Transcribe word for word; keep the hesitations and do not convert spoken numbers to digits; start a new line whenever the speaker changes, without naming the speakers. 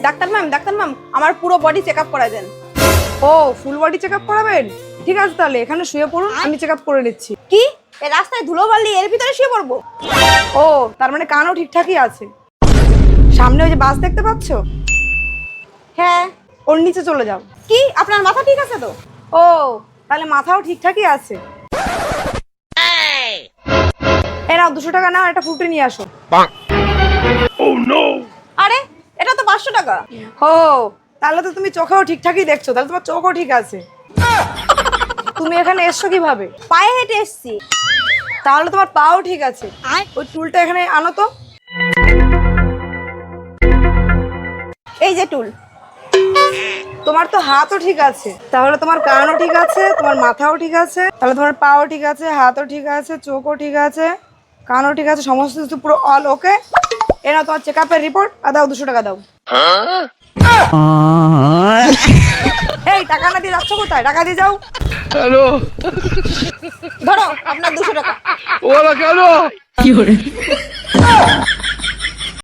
Doctor ma'am doctor ma'am আমার পুরো body check up করা দেন।
ও ফুল বডি চেক আপ করাবেন? ঠিক আছে তাহলে এখানে শুয়ে পড়ুন, আমি চেক আপ করে নিচ্ছি।
কি এই রাস্তায় ধুলোবালি এর ভিতরে শুয়ে পড়বো?
ও তার মানে কানও ঠিকঠাকই আছে। সামনে ওই যে বাস দেখতে পাচ্ছ,
হ্যাঁ।
ওর নিচে চলে যাও।
কি আপনার মাথা ঠিক আছে তো?
ও তাহলে মাথাও ঠিকঠাকই আছে। এই নাও দুশো টাকা নাও, একটা ফুটে নিয়ে আসো।
আরে এটা তো পাঁচশো টাকা।
ও তাহলে তো তুমি চোখেও ঠিকঠাকই দেখছো, তাহলে তোমার চোখও ঠিক আছে। তুমি এখানে এসছো কিভাবে?
পায়ে হেঁটে এসছি।
তাহলে তোমার পাও ঠিক আছে। ওই টুলটা এখানে আনো তো।
এই যে টুল।
তোমার তো হাতও ঠিক আছে, তাহলে তোমার কানও ঠিক আছে, তোমার মাথাও ঠিক আছে, তাহলে তোমার পাও ঠিক আছে, হাতও ঠিক আছে, চোখও ঠিক আছে, কানও ঠিক আছে, সমস্ত কিছু পুরো অল ওকে। এ নাও তোমার চেক আপের রিপোর্ট, আর দাও দুশো টাকা দাও। এই টাকা না দিয়ে যাচ্ছ কোথায়? টাকা দিয়ে যাও।
হ্যালো,
ধরো আপনার দুশো টাকা।
ওরা কেন?